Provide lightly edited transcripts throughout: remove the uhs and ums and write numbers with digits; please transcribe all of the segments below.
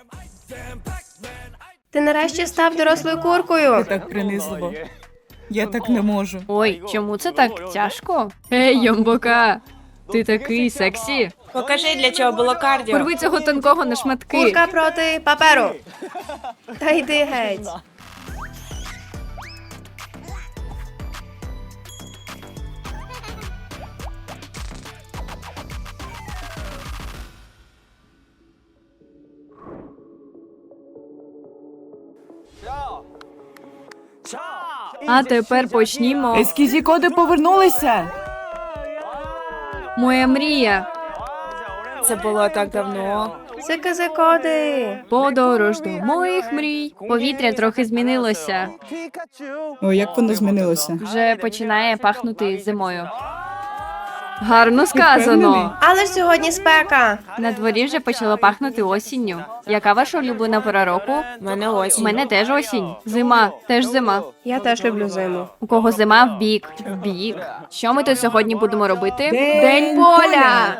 Ти нарешті став дорослою куркою. Так принизливо. Я так не можу. Ой, чому це так тяжко? Ей, Йомбока, ти такий сексі. Покажи, для чого було кардіо. Порви цього тонкого на шматки. Курка проти паперу. Та йди геть. А тепер почнімо. Ескізі коди повернулися. Моя мрія. Це було так давно. Коди. Подорож до моїх мрій. Повітря трохи змінилося. О, як воно змінилося? Вже починає пахнути зимою. Гарно сказано. Але ж сьогодні спека. На дворі вже почало пахнути осінню. Яка ваша улюблена пора року? У мене У осінь. мене теж осінь. Зима, теж зима. Я теж люблю зиму. У кого зима в бік. В бік. Що ми тут сьогодні будемо робити? День поля!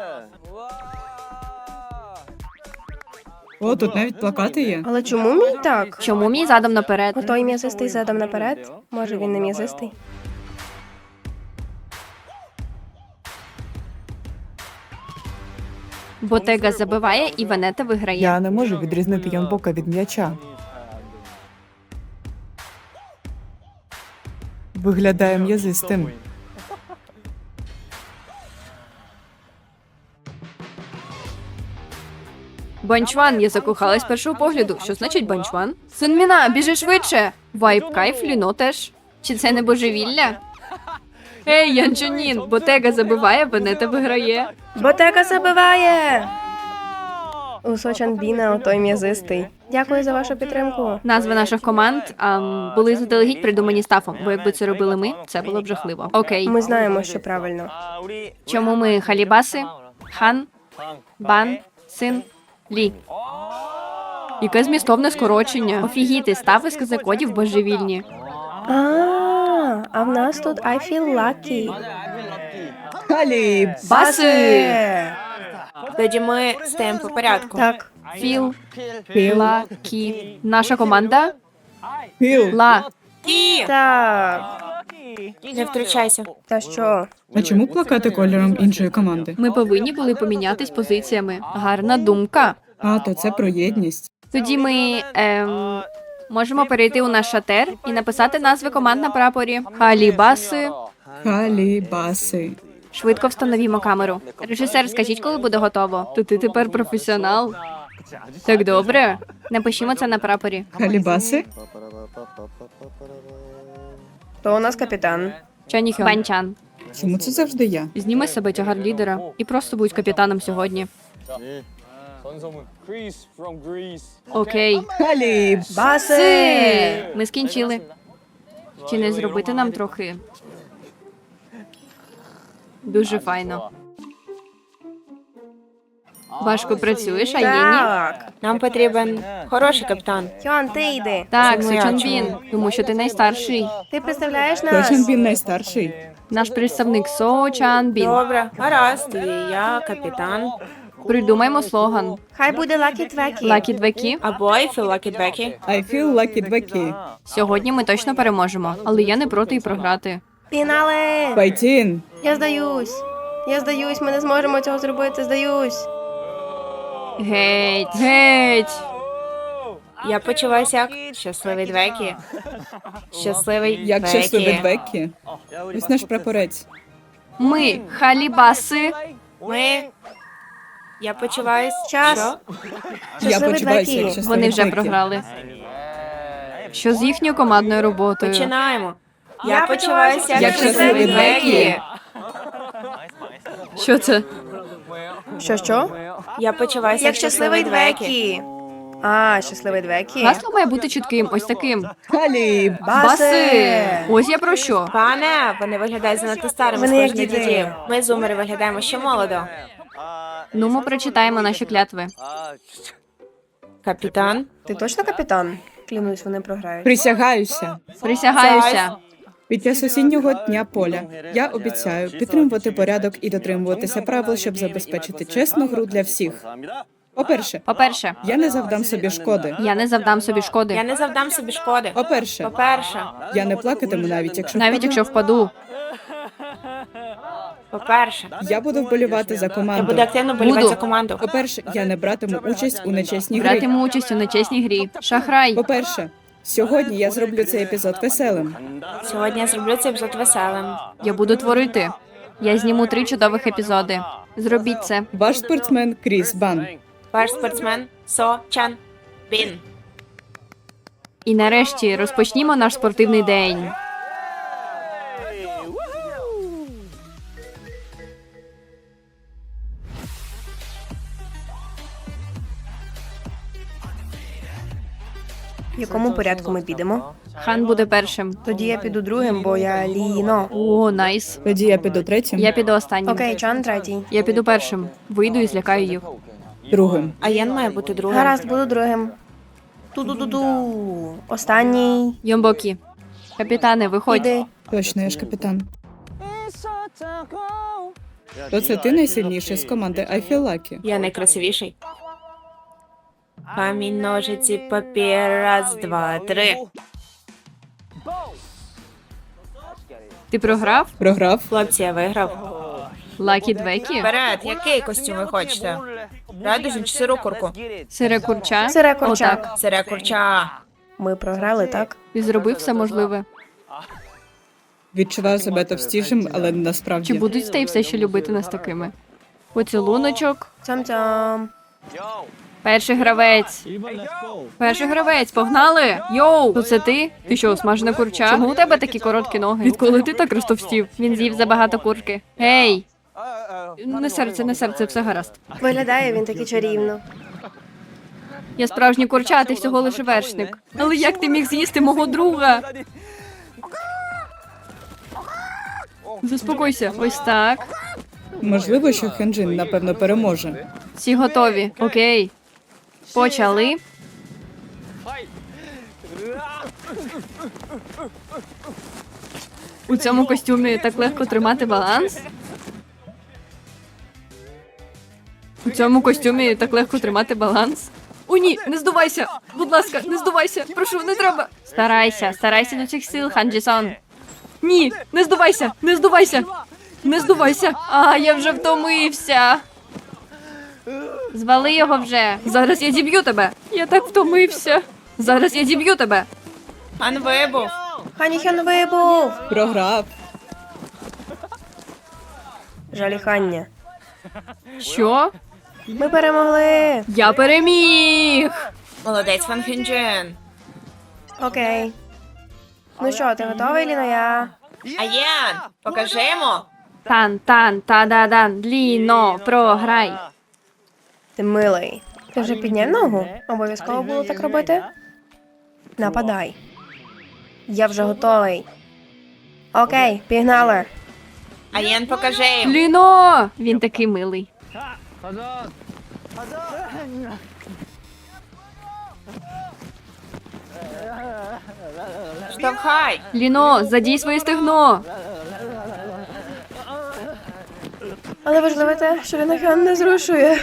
О, тут навіть плакати є. Але чому мій так? Чому мій задом наперед? Той м'язистий задом наперед? Може, він не м'язистий? Ботега забиває і Венета виграє. Я не можу відрізнити Янбока від м'яча. Виглядає м'язистим. Банчван, я закохалась з першого погляду. Що значить банчван? Сунміна, біжи швидше! Вайп кайф, Ліно теж. Чи це не божевілля? Ей, Янчунін, Ботега забиває, Венета виграє. Ботека забиває! У Сочанбіна отой м'язистий. Дякую за вашу підтримку. Назви наших команд були заздалегідь придумані стафом, бо якби це робили ми, це було б жахливо. Окей. Ми знаємо, що правильно. Чому ми халібаси? Хан, бан, син, лі. Яке змістовне скорочення. Офігіти, стафи з казакодів божевільні. А в нас тут I feel lucky. Халіб! Баси! Тоді ми стаємо по порядку. Так. Філ, ла, кі. Наша команда Філ! ла. І Так. не втручайся. Та що? А чому плакати кольором іншої команди? Ми повинні були помінятись позиціями. Гарна думка. А, то це про єдність. Тоді ми можемо перейти у наш шатер і написати назви команд на прапорі. Халібаси. Халібаси. Швидко встановімо камеру. Режисер, скажіть, коли буде готово. То ти тепер професіонал. Так добре. Напишімо це на прапорі. Халібаси? То у нас капітан. Чаніхьон. Банчан. Чому це завжди я? Зніми з себе тягар лідера і просто будь капітаном сьогодні. 전성문 Greece from Greece. Окей. Халіб! Баси! Ми скінчили. Чи не зробити нам трохи? Дуже файно. Важко працюєш, а є ні? Так. Нам потрібен хороший капітан. Хьон, ти йди. Так, Це моя Сочонбін, чому? тому що ти найстарший. Ти представляєш нас? Точно він найстарший. Наш представник Сочанбін. Добре, гаразд, тоді я капітан. Придумаймо слоган. Хай буде Lucky Твекі. Лакі двекі. Або I feel lucky Becky. I feel lucky двекі. Сьогодні ми точно переможемо, але я не проти і програти. Фінале! Файтін! Я здаюсь. Я здаюсь, ми не зможемо цього зробити, здаюсь. Геть, геть. Я почуваюся як щасливий Двекі. Щасливий Як Двекі. щасливий Двекі. Ось наш прапорець. Ми халібаси. Ми... Я почуваюсь... Час. Що? Я Щасливий почуваюся як Двекі. щасливий Вони вже Двекі. програли. Що з їхньою командною роботою? Починаємо. Я почуваюся як Як щасливий щасливий Двекі. Що це? Що? Я почуваюся Як щасливий Двекі. А, щасливий Двекі. Гасло має бути чітким, ось таким. Халіб! Баси! Ось я про що. Пане, вони виглядають занадто старими, Вони як схожі на діти. дітей. Ми, зумери, виглядаємо ще молодо. Ну, ми прочитаємо наші клятви. Капітан. Ти точно капітан? Клянусь, вони програють. Присягаюся. Присягаюся. Під час осіннього дня поля я обіцяю підтримувати порядок і дотримуватися правил, щоб забезпечити чесну гру для всіх. По-перше, я не завдам собі шкоди. я не завдам собі Я шкоди. не завдам собі шкоди. По-перше, По-перше, я не плакатиму навіть, якщо Навіть впаду. якщо впаду. по-перше, Я буду вболівати за я команду. буду активно болівати Буду. за команду. По-перше, я не братиму участь у нечесній грі. Братиму участь у нечесній грі. Шахрай. По-перше, сьогодні я зроблю цей епізод веселим. Сьогодні я зроблю цей епізод веселим. Я буду творити. Я зніму 3 чудових епізоди. Зробіть це. Ваш спортсмен Кріс Бан. Ваш спортсмен Со Чан Бін. І нарешті розпочнімо наш спортивний день. В якому порядку ми підемо? Хан буде першим. Тоді я піду другим, бо я Ліно. О, найс. Тоді я піду третім, Я піду останнім. Окей, Чан третій. Я піду першим. Вийду і злякаю їх. другим. А Єн має бути другим. Гаразд, буду другим. Ту-ду-ду-ду. Останній. Йомбокі. Капітане, виходь. Іди. Точно, я ж капітан. То це ти найсильніший з команди I Feel Lucky. Я найкрасивіший. Камінь, ножиці, папір. Раз, два, три. Ти програв? Програв? Хлопці, я виграв. Лакі Двекі? Вперед, який костюм ви хочете? Радужну чи сиру курку? Сире курча? Сире курча. Отак. Сире курча. Ми програли, так? Ти зробив все можливе. Відчуваю себе товстішим, але не Чи насправді. будуть стей все ще любити нас такими? Поцілуночок. Цям-цям. Перший гравець. Перший гравець, погнали! Йоу! То це ти? Ти що, смажена курча? Чому у тебе такі короткі ноги? Відколи ти так розтовстів? Він з'їв забагато курки. Гей! Не серце, все гаразд. Виглядає він таки чарівно. Я справжній курча, а ти всього лише вершник. Але як ти міг з'їсти мого друга? Заспокойся. Ось так. Можливо, що Хенджин, напевно, переможе. Всі готові. Окей. Почали. У цьому костюмі так легко тримати баланс. У цьому костюмі так легко тримати баланс. О, ні, не здувайся! Будь ласка, не здувайся! Прошу, не треба! Старайся до цих сил, Ханджі-сан. Ні, не здувайся! Не здувайся! Не здувайся! А, я вже втомився. Звали його вже. Зараз я зіб'ю тебе. Я так втомився. Зараз я зіб'ю тебе. Хан вибув. Ханіхен вибув. Програв. Жаліхання. Що? Ми перемогли. Я переміг! Молодець, Ван Хюнджин. Окей. Ну що, ти готовий, Ліноя? А Єн, покажемо. Тан-тан-та-да-дан. Ліно, програй. Ти милий. Ти вже підняв ногу? Обов'язково було так робити? Нападай. Я вже готовий. Окей, пігнали. А Єн, покажи їм. Ліно! Він такий милий. Штовхай. Ліно, задій своє стегно. Але важливо те, що Лінохян не зрушує.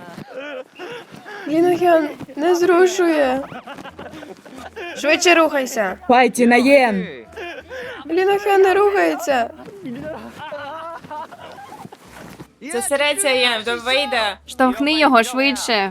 Лінохян не зрушує. Швидше рухайся. Файті на Єн! Лінохян не рухається. Зосередься, Єн, то вийде. Штовхни його швидше.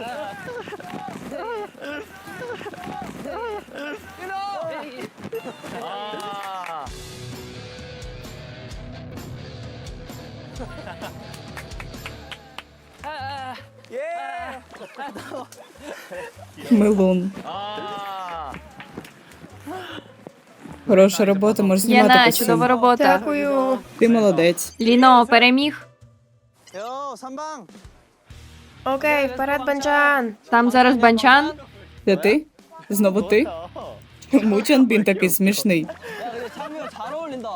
Милун. Хороша робота, можеш знімати Яна, костюм. чудова робота. Дякую. Ти молодець. Ліно, переміг. 요, 3방. Окей, вперед, Банчан. Там зараз банчан. Це ти? Знову ти? Чому Чанбін такий смішний? 참이랑 잘 어울린다.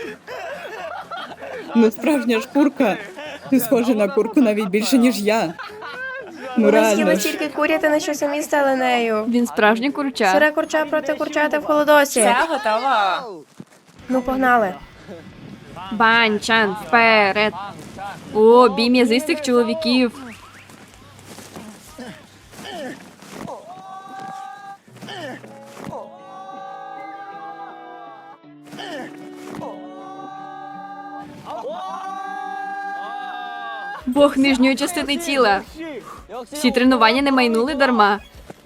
Ну, справжня ж курка. Ти схожа на курку навіть більше, ніж я. Ну, Ми реально з'їли ж. тільки курятини, що самі стали нею. Він справжній курча. Сире курча проти курчати в холодосі. Все готово. Ну, погнали. Банчан, вперед. О, бій м'язистих чоловіків. Бог нижньої частини тіла. Всі тренування не майнули дарма.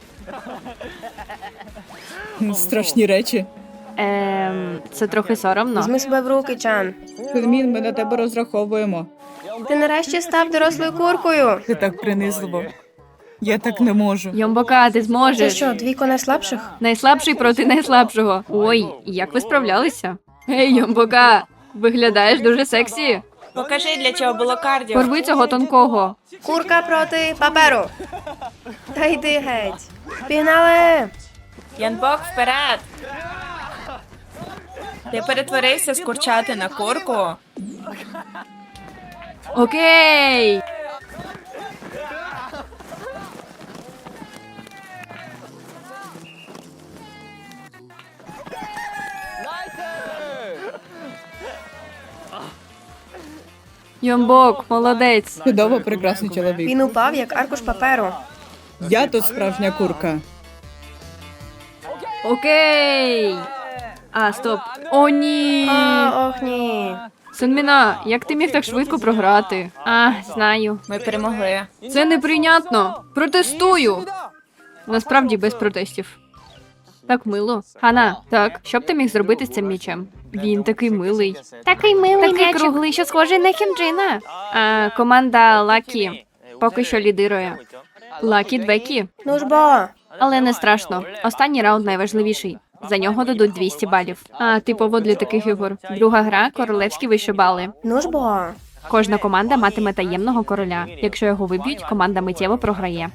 Страшні речі. Це трохи соромно. Візьми себе в руки, Чан. Сунмін, ми на тебе розраховуємо. Ти нарешті став дорослою куркою. Ти так принизливо. Я так не можу. Йомбока, ти Це зможеш. що, двійко найслабших? Найслабший проти найслабшого. Ой, як ви справлялися? Ей, Йомбока, виглядаєш дуже сексі. Покажи, для чого було кардіо. Порви цього тонкого. Курка проти паперу. Та йди геть. Пігнали! Янбок, вперед! Ти перетворився з курчати на курку. Окей. Йомбок, молодець. Чудово, прекрасний чоловік. Він упав, як аркуш паперу. Я тут справжня курка. Окей. А, стоп. О, ні. Ох ні. Сунміна, як ти міг так швидко програти? А, знаю. Ми перемогли. Це неприйнятно. Протестую. Насправді без протестів. Так мило. Хана, так, що б ти міг зробити з цим м'ячем? Він такий милий. Такий милий такий круглий, що схожий на Хімджина. А, команда Лакі поки що лідирує. Лакі Двекі. Ну ж бо. Але не страшно. Останній раунд найважливіший. За нього дадуть 200 балів. А, типово для таких ігор. Друга гра – королевські вишибали. Ну ж бо. Кожна команда матиме таємного короля. Якщо його виб'ють, команда миттєво програє.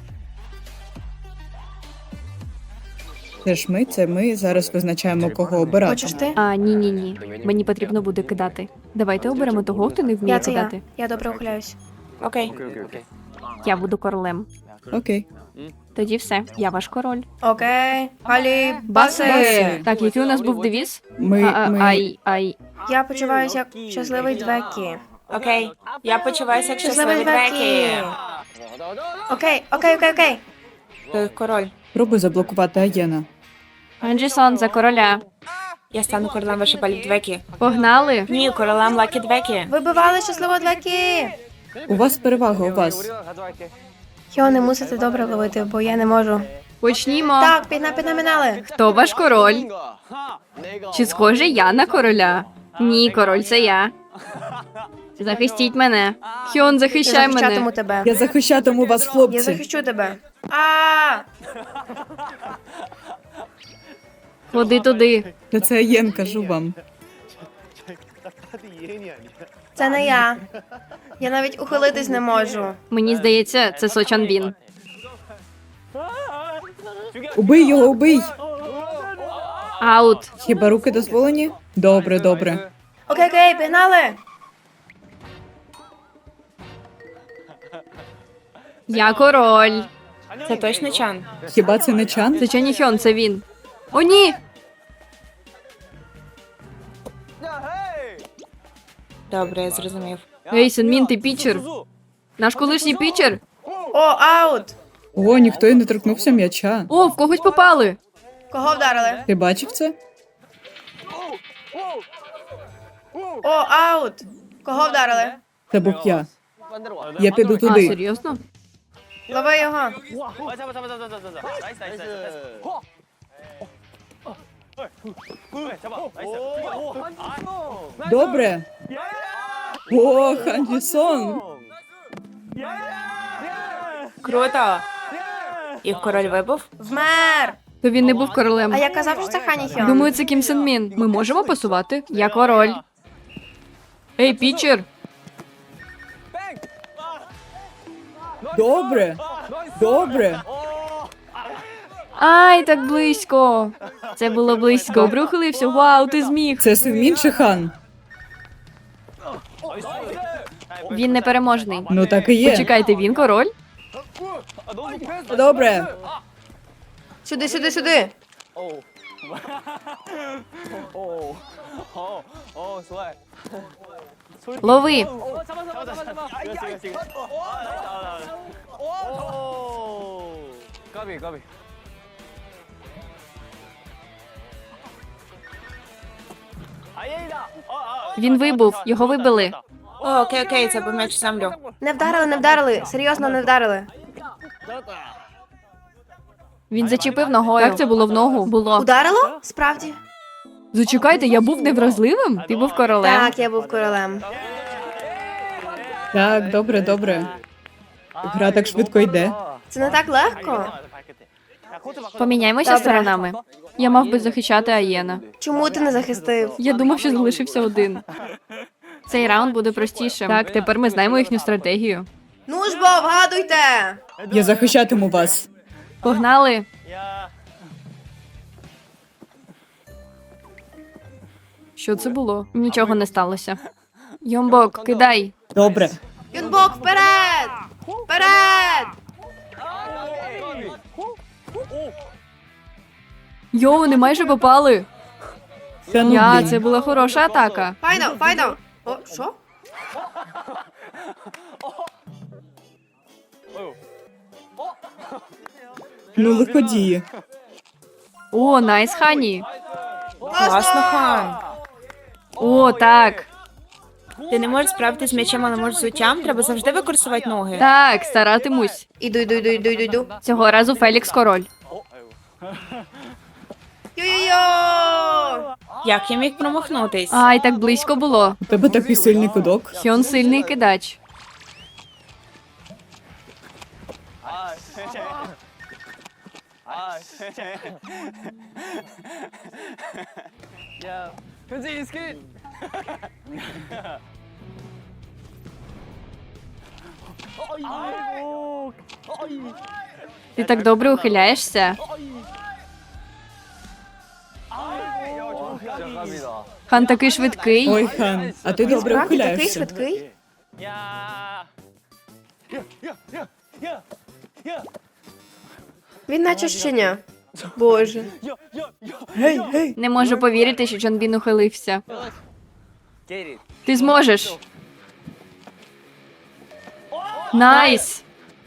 Це ми зараз визначаємо, кого обирати. Хочеш ти? А, ні. Мені потрібно буде кидати. Давайте оберемо того, хто не вміє Я це я. кидати. Я добре ухиляюсь. Окей. Я буду королем. Окей. Тоді все, я ваш король. Окей. Алі, Баси! баси. Так, який у нас був девіз? Ми. Ай. Я почуваюся як щасливий Двекі. Окей. Я почуваюся як Щасливий щасливий Двекі. Двекі. Окей. Ти король. Пробуй заблокувати Аєна. Анджісон за короля. Я стану королем вишибалів Двекі. Погнали. Ні, королем Лакі Двекі. Вибивали щасливого Двекі. У вас перевага, у вас. Його не мусите добре ловити, бо я не можу. Почнімо. Так, піднаминали. Хто ваш король? Чи схоже я на короля? Ні, король це я. Захистіть мене. Хьон, Я захищай захищатиму мене. тебе. Я захищатиму вас, Я хлопці. захищу тебе. А! Ходи туди. Та це Аєн, кажу вам. Це не я. Я навіть ухилитись не можу. Мені здається, це Сочанбін. Убий його, убий! Аут. Хіба руки дозволені? Добре. Окей, пігнали. Я король. Це точно Чан? Хіба це не Чан? Це Чані Хьон, це він. О, ні! Добре, я зрозумів. Ей, Сунмін, ти пічер. Наш колишній пічер. О, аут. О, ніхто й не торкнувся м'яча. О, в когось попали. Кого вдарили? Ти бачив це? О, аут. Кого вдарили? Це був я. Я піду А, туди. серйозно? Лови його. Добре. О, Ханджісон. Круто. І король вибув? Вмер. То він не був королем. А я казав, що це Хані Хьон. Думаю, це Кім Сен Мін. Ми можемо пасувати? Я король. Ей, пічер. Добре. Ай, так близько. Це було близько. Добре ухилився. Вау, ти зміг. Це Синмін чи Хан? Він непереможний. Ну так і є. Почекайте, він король? Добре. Сюди. Лови. 까비 까비. 아예이다. Він вибув, його вибили. О, окей, окей, це був м'яч в землю. Не вдарили, не вдарили. Серйозно, не вдарили. Він зачепив ногою. Так це було в ногу. Було. Ударило? Справді? Зачекайте, я був невразливим? Ти був королем. Так, я був королем. Так, добре, добре. Гра так швидко йде. Це не так легко. Поміняємося Добре. сторонами. Я мав би захищати Аєна. Чому ти не захистив? Я думав, що залишився один. Цей раунд буде простішим. Так, тепер ми знаємо їхню стратегію. Ну ж бо, вгадуйте! Я захищатиму вас. Погнали! Що це було? Нічого не сталося. Йомбок, кидай. Добре. Юнбок, вперед! Вперед! Йоу, не майже попали. Та ну, Я, блін. це була хороша атака. Файно, файно! О, що? Ну, лиходії. О, найс, Хані. Класно, хан. О, так. Ти не можеш справитися з м'ячем, але можеш з взуттям. Треба завжди використовувати ноги. Так, старатимусь. Іду. Цього разу Фелікс король. Йо-йо-йо! Як я міг промахнутись? Ай, так близько було. У тебе такий сильний кудок. Хьон сильний кидач. 야, 현재 스킨. 아이고. Ти так добре ухиляєшся. 진짜 깝이다. Хан такий швидкий. Ой, хан, а ти добре Справді такий ухиляєшся. швидкий? 야. 야. Він наче щеня. Боже. Гей, гей. Не можу повірити, що Чонбін ухилився. Get it. Ти зможеш. Найс!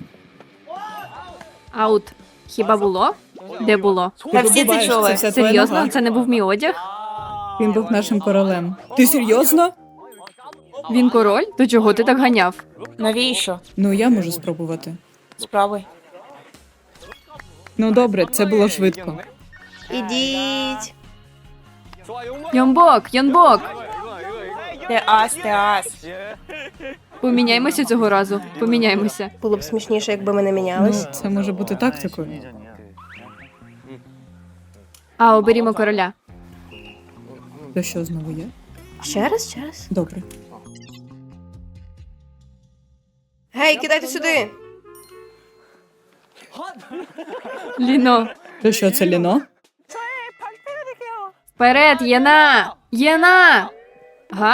Аут. Хіба було? Де було? Та всі це Побачиш, чули. вся твоя Серйозно? нога. Це не був мій одяг? Він був нашим королем. Ти серйозно? Він король? До чого ти так ганяв? Навіщо? Ну, я можу спробувати. Спробуй. Ну, добре, це було швидко. Ідіть. 좋아, 용모. Йонбок, Йонбок! Ти ас, ти ас. Поміняємося цього разу. Поміняємося. Було б смішніше, якби ми не Ну, мінялись. це може бути тактикою. А, оберімо короля. То що знову є? Ще раз? Добре. Гей, кидайте сюди. Ліно. То що, це ліно? Вперед, Єна! Єна! Га?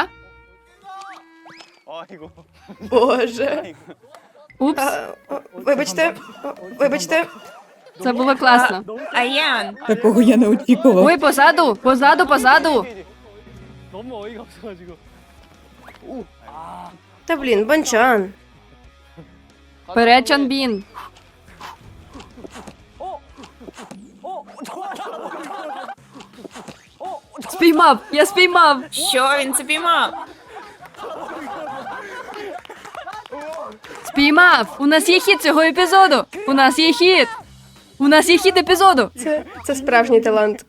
아이고. Боже. Упс, Вибачте. Вибачте. це було класно. Аян. Такого я не очікував. Ой, позаду! Позаду, позаду! 너무 어이가 없어가지고. Та блін, Банчан. Вперед, Чонбін! Спіймав! Я спіймав! Що він це піймав? Спіймав! У нас є хід цього епізоду! У нас є хід! У нас є хід епізоду! Це справжній талант.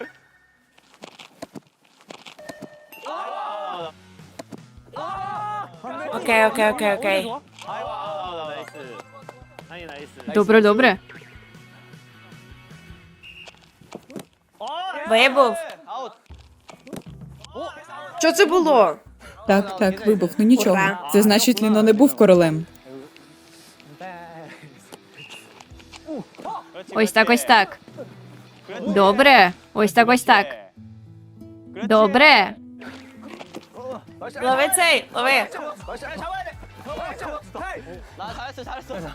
Окей. Добре, добре. Вибув. Що це було? Так, вибух, ну нічого. Ура. Це значить, Ліно не був королем. Ось так, ось так. Добре. Ось так, ось так. Добре. Лови цей, лови. 잡아야 돼. 나 잘했어.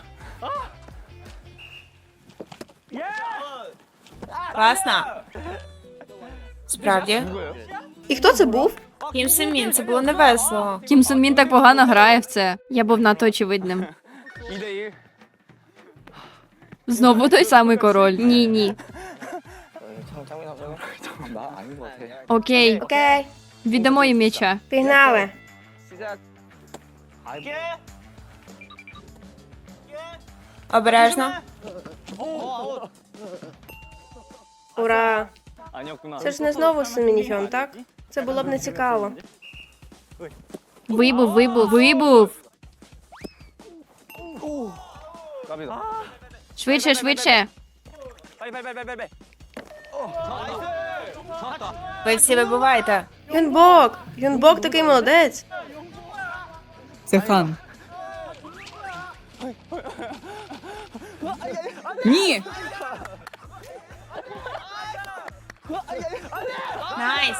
Класно. Справді. І хто це був? Кім Сен-мін, це було невесело. Кім Сон Мін так погано грає в це. Я був надто очевидним. 2대1. Знову той самий король. Ні, ні. 나 아닌 것 같아. Окей, Окей, віддамо їм м'яча. пігнали. 시작. 갈게. Обережно. Ура! 아니었구나. Це ж не знову Син-Мінхьон, так? Це було б не цікаво. Вибув, вибув, вибув. 까비다. Швидше, швидше. 빨리 빨리 빨리 빨리 빨리. 나이스. 잡았다. Ви всі вибуваєте. Юнбок! Юнбок такий молодець. Це хан. Ні! Найс.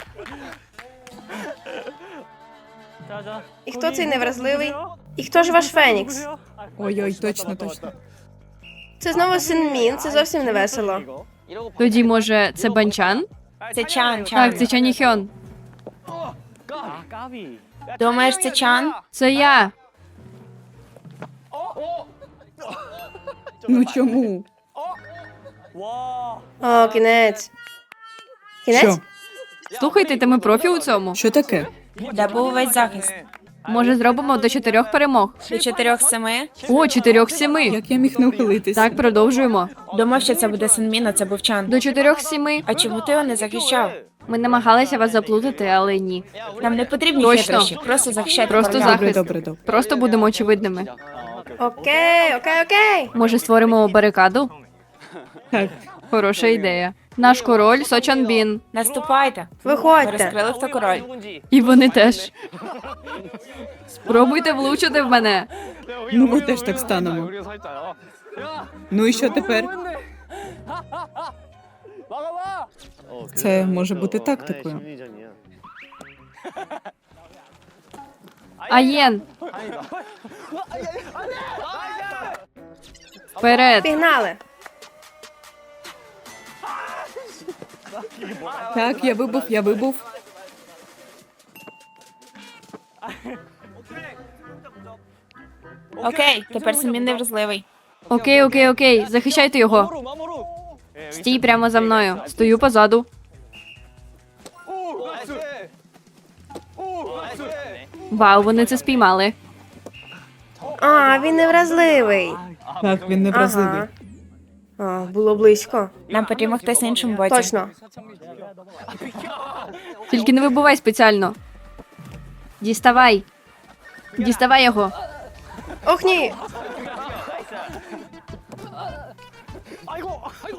자자. І хто цей невразливий? І хто ж ваш Фенікс? Ой-ой, точно, точно. Це знову Син-Мін, це зовсім не весело. Тоді, може, це Банчан? Це Чан, Так, це Чаніхьон. 까비. Думаєш, це Чан? Це я. Ну чому? 와. О, кінець. Кінець? Що? Слухайте, та ми профі у цьому. Що таке? Де був весь захист? Може, зробимо до 4 перемог. До 4-7? О, 4-7. Як я міг не ухилитись? Так, продовжуємо. Думав, що це буде Син-Мін, а це був Чан. До 4-7. А чому ти його не захищав? Ми намагалися вас заплутати, але ні. Нам не потрібні Точно. хитрощі, просто захищати Просто короля. захист. Добре, добре. Просто будемо очевидними. Окей, окей, окей. Може, створимо барикаду? Так. Хороша ідея. Наш король Сочанбін. Наступайте. Ви Виходьте. розкрили, хто король. 누군지. І вони теж. Спробуйте влучити в мене. Ну, ми теж так станемо. 우리가 서 있잖아. 야. Ну і що тепер? 막아봐. Це може бути тактикою. Аєн. Вперед. Пігнали. Так, я вибув, я вибув. Окей, тепер Син-Мін невразливий. Окей, окей, окей. Захищайте його. 마모루 마모루. Стій прямо за мною. Стою позаду. 오. 나이스. 오. 나이스. Вау, вони це спіймали. А, він невразливий. Так, він не вразливий. Ага. А, було близько. Нам потрібно хтось на іншому боці. Точно. Тільки не вибувай спеціально. Діставай. Діставай його. Ох ні! 아이고. 아이고.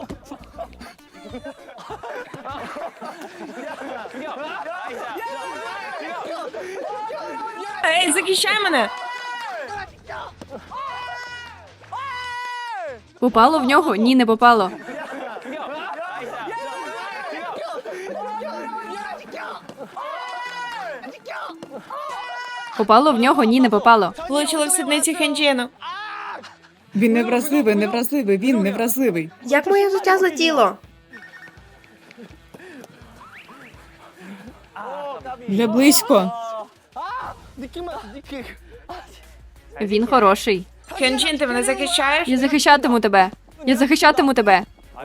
Ей, захищай мене! Попало в нього? Ні, не попало. Попало в нього? Ні, не попало. Влучили в сідницю Хенджіну. Він невразливий, невразливий, він невразливий. Як моє взуття злетіло? Вже близько. 느낌만 느낌. Він хороший. Хенджін, ти мене захищаєш? Я захищатиму тебе. Я захищатиму тебе.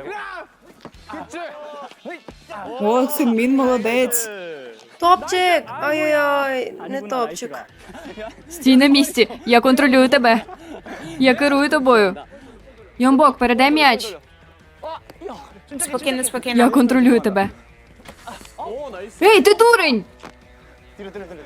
О, Син-Мін молодець. Топчик! Ой-ой-ой, не топчик. Стій на місці. Я контролюю тебе. Я керую тобою. Йомбок, передай м'яч. Спокійно, спокійно. Я контролюю тебе. 오 나이스. Ей, ти дурень! 뒤로 뒤로 뒤로.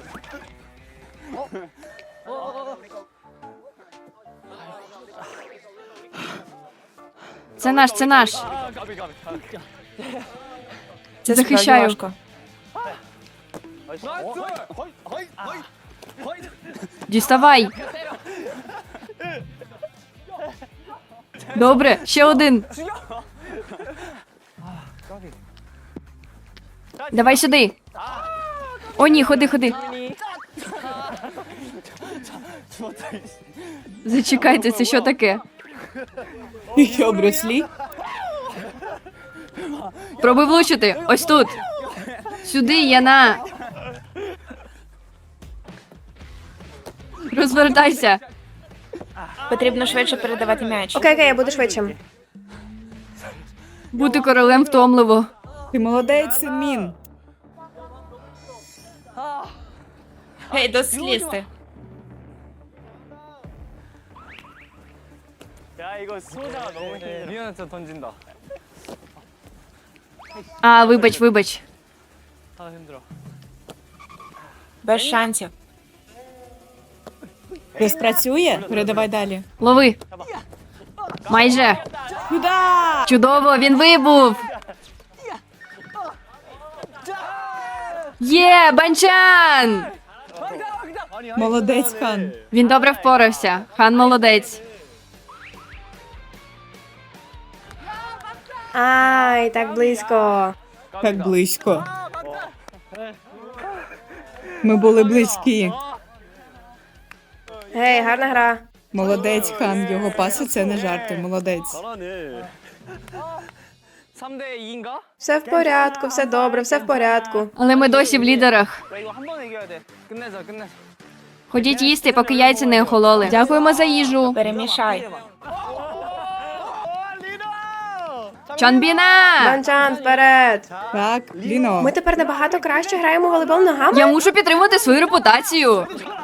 Це наш, це наш. 아 까비 까비. Це захищаю. справді важко. 나이스. 허이 허이 허이. 허이. Діставай. Добре, ще один. Давай сюди. О, ні, ходи, ходи. Зачекайте, це що таке? І що, Брюс Лі? Пробуй влучити. Ось тут. Сюди, Яна. Розвертайся. Потрібно швидше передавати м'яч. Окей, я буду швидшим. Бути королем втомливо. Ти молодець, Синмін. Гей, досить лізти. 야, 이거 수호자가 너무 힘들어. 미연아 진짜 던진다. А, вибач. 아, 힘들어. Без шансів. Не спрацює? Передавай далі. Лови. Майже. Куда? Чудово, він вибув. Є, Банчан! Молодець, Хан. Він добре впорався. Хан молодець. Ай, так близько. Так близько. Ми були близькі. Гей, гарна гра. Молодець, Хан. Його паси це не жарти. Молодець. 잘하네. 3대 2인가? Все в порядку, все добре, все в порядку. Але ми досі в лідерах. 야, 이거 한 번 이겨야 돼. 끝내자. Ходіть їсти, поки яйця не охололи. Дякуємо за їжу. Перемішай. Чонбіна! Банчан, вперед! Так, Ліно. Ми тепер набагато краще граємо у волейбол ногами. Я мушу підтримати свою репутацію.